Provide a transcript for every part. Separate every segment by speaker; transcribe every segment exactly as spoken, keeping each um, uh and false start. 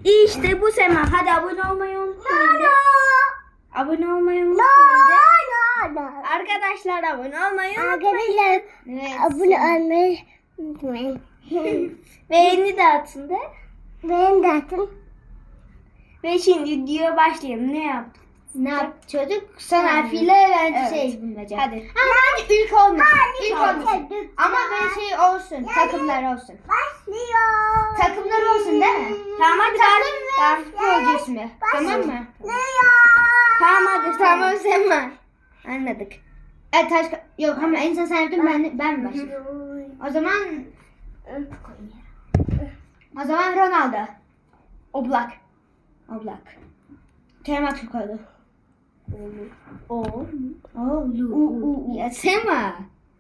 Speaker 1: İşte bu Sema. Hadi abone olmayı unutmayın. de. Abone olmayı unutmayın. de. Arkadaşlar abone olmayı unutmayın.
Speaker 2: Arkadaşlar
Speaker 1: Evet.
Speaker 2: abone olmayı unutmayın.
Speaker 1: Beğeni de atın de.
Speaker 2: Benim de atın.
Speaker 1: Ve şimdi videoya başlayalım. Ne yaptık?
Speaker 3: Ne yapıyorduk? Son
Speaker 1: Hmm.
Speaker 3: harfiyle bence
Speaker 1: Evet.
Speaker 3: şey bulmaca.
Speaker 1: Hadi.
Speaker 3: Ha, bence ilk olmasın. İlk
Speaker 1: Tamam.
Speaker 3: olmasın. Ama böyle şey olsun. Takımlar olsun.
Speaker 2: Başlıyor.
Speaker 3: Takımlar olsun değil mi?
Speaker 1: Tamam hadi.
Speaker 3: Takım
Speaker 1: Tamam.
Speaker 3: ve futbolcu ismi. Tamam mı?
Speaker 1: Tamam hadi.
Speaker 3: Tamam Sema. Anladık. Evet taş yok ama en son sen yaptın ben ben mi başlayayım? O zaman o zaman Ronaldo. Oblak. Oblak. Kerem Aktürkoğlu.
Speaker 1: O.
Speaker 3: Oğlu. Ya Sema.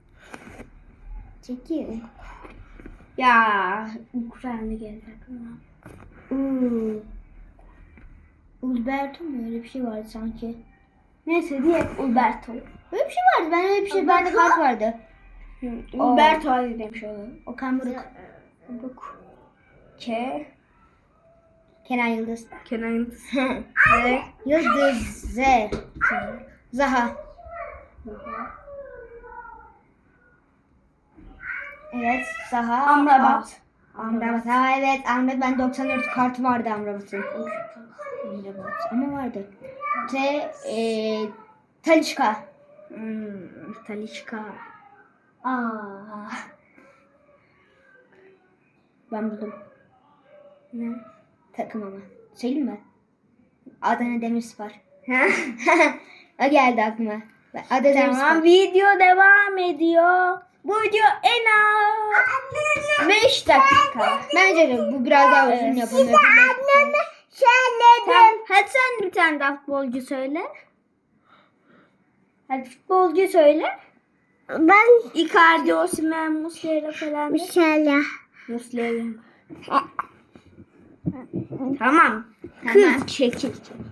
Speaker 3: Çekil.
Speaker 1: Ya. Ukrayna geldi aklıma.
Speaker 3: Uuu. Ulberto mu öyle bir şey vardı sanki.
Speaker 1: Neyse diye Umberto.
Speaker 3: Öyle bir şey vardı. Ben öyle bir şey bende kart vardı.
Speaker 1: Umberto hadi demiş olalım.
Speaker 3: Okan Buruk.
Speaker 1: Buk. K.
Speaker 3: Kenan Yıldız.
Speaker 1: Kenan Yıldız. Ve
Speaker 3: Yıldız. Z. Zaha. Evet. Zaha.
Speaker 1: Amrabat.
Speaker 3: Aa, Amrabat. Ha evet. Amrabat. Ben doksan dört kartı vardı Amrabat'ın. Amrabat. Ama vardı. T. E, Talisca.
Speaker 1: Hmm, Talişka.
Speaker 3: Aa. Ben buldum.
Speaker 1: Ne?
Speaker 3: Takım ama. Söyleyeyim mi? Adana Demirspor.
Speaker 1: Ha?
Speaker 3: O geldi aklıma. Adana
Speaker 1: Tamam,
Speaker 3: Demirspor.
Speaker 1: video devam ediyor. Bu video en az beş dakika.
Speaker 3: Bence de bu biraz daha uzun
Speaker 1: Evet.
Speaker 3: yapılır.
Speaker 1: Tamam, hadi sen bir tane daha futbolcu söyle. Hadi futbolcu söyle.
Speaker 2: Ben
Speaker 1: Icardi, Osimhen, Muslera falan. de.
Speaker 2: inşallah.
Speaker 1: Muslera. Tamam. Kız çekil.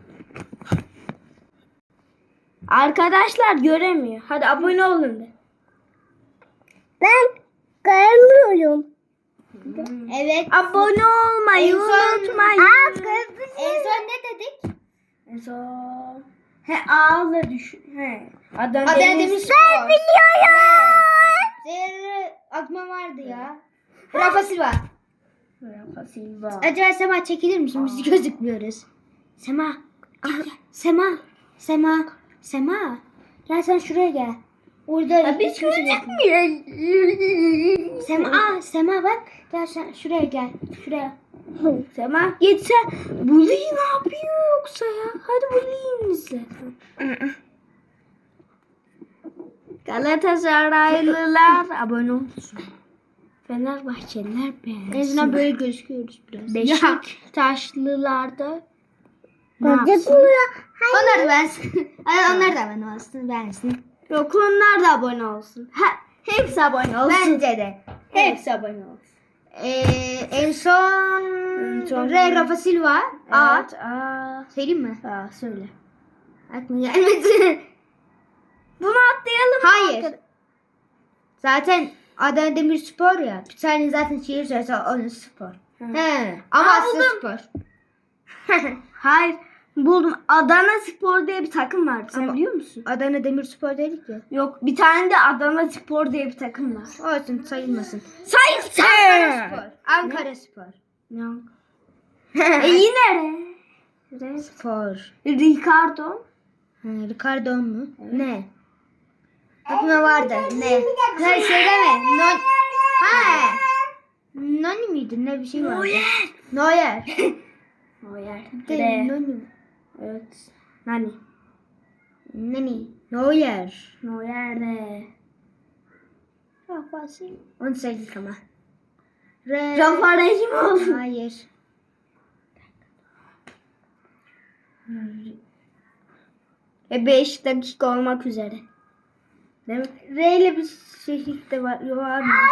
Speaker 1: Arkadaşlar göremiyor. Hadi abone olun de.
Speaker 2: Ben görmüyorum.
Speaker 3: Evet.
Speaker 1: Abone olmayı
Speaker 3: En son-
Speaker 1: unutmayın.
Speaker 2: Aa, kırmızı.
Speaker 3: En son ne dedik?
Speaker 1: En son. He ağla düşün. He. Adana,
Speaker 3: Adana
Speaker 1: Demir-
Speaker 3: Demirspor.
Speaker 2: Ben biliyorum.
Speaker 3: Zerre aklıma vardı ya. Rafa Silva.
Speaker 1: Rafa Silva.
Speaker 3: Acaba Sema çekilir misin? Biz gözükmüyoruz. Sema. Gel, gel. Sema. Sema. Sema. Gel sen şuraya gel. Orada
Speaker 1: Ya biz
Speaker 3: hiç kimse yok.
Speaker 1: gözükmüyor.
Speaker 3: Sema, aa, Sema bak. Gel sen şuraya gel. Şuraya.
Speaker 1: Sema gitse Bully ne yapıyor yoksa ya? Hadi Bully'yi izle. Galatasaraylılar abone olsun. Fenerbahçeliler
Speaker 3: En azından
Speaker 1: beğensin.
Speaker 3: böyle gözüküyoruz biraz.
Speaker 1: Beşiktaşlılar da ne yapsın?
Speaker 2: Gözükmüyor.
Speaker 3: Onlar da bensin. Ay, onlar da abone olsun. Bensin.
Speaker 1: Yok onlar da abone olsun. Ha, hepsi abone olsun.
Speaker 3: Bence de.
Speaker 1: Hepsi abone olsun.
Speaker 3: Ee, en son,
Speaker 1: En son-
Speaker 3: Re Rafa Silva. Aa.
Speaker 1: Evet. Aa,
Speaker 3: Söyleyeyim mi?
Speaker 1: aa, söyle.
Speaker 3: Aklıma gelmedi.
Speaker 1: Bunu atlayalım. mı
Speaker 3: Hayır.
Speaker 1: arkadaş-
Speaker 3: Zaten Adana Demirspor ya. Bir tane zaten şehir söylese onun spor.
Speaker 1: Hı.
Speaker 3: He. Ama
Speaker 1: Aa,
Speaker 3: aslında
Speaker 1: buldum.
Speaker 3: spor.
Speaker 1: Hayır. Buldum. Adana Spor diye bir takım var. Sen
Speaker 3: Ama-
Speaker 1: biliyor musun?
Speaker 3: Adana Demirspor dedik ya.
Speaker 1: Yok. Bir tane de Adana Spor diye bir takım var.
Speaker 3: Olsun sayılmasın.
Speaker 1: Sayısı.
Speaker 3: Ankara Spor. Ankara Spor.
Speaker 1: Yok. e yine re. Re.
Speaker 3: Spor.
Speaker 1: Ricardo.
Speaker 3: Ha, Ricardo mu? Ne? Aklıma vardı. Ne? Ne söyleme. Non... Ha. Nani miydi? Ne bir şey vardı.
Speaker 1: Neuer.
Speaker 3: Neuer.
Speaker 1: Neuer.
Speaker 3: De,
Speaker 1: Re.
Speaker 3: Nani.
Speaker 1: Evet. Nani?
Speaker 3: Nani? Neuer.
Speaker 1: Neuer de. Rafa Silva.
Speaker 3: Onu söyledik ama. Re...
Speaker 1: Rafa Rehimoğlu.
Speaker 3: Hayır.
Speaker 1: E beş dakika olmak üzere. Değil mi?
Speaker 3: R ile bir şehir de var. Yok var mı?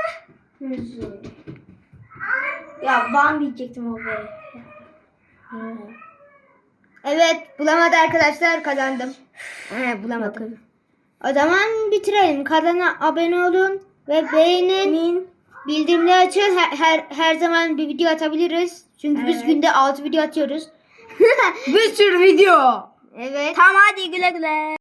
Speaker 1: Ya ben diyecektim o be.
Speaker 3: Evet bulamadı arkadaşlar kazandım. He bulamadım. O zaman bitirelim. Kanala abone olun ve beğenin.
Speaker 1: Min
Speaker 3: Bildirimleri açıyoruz. Her, her, her zaman bir video atabiliriz. Çünkü biz
Speaker 1: Evet.
Speaker 3: günde altı video atıyoruz.
Speaker 1: Bir sürü video.
Speaker 3: Evet.
Speaker 1: Tamam hadi güle güle.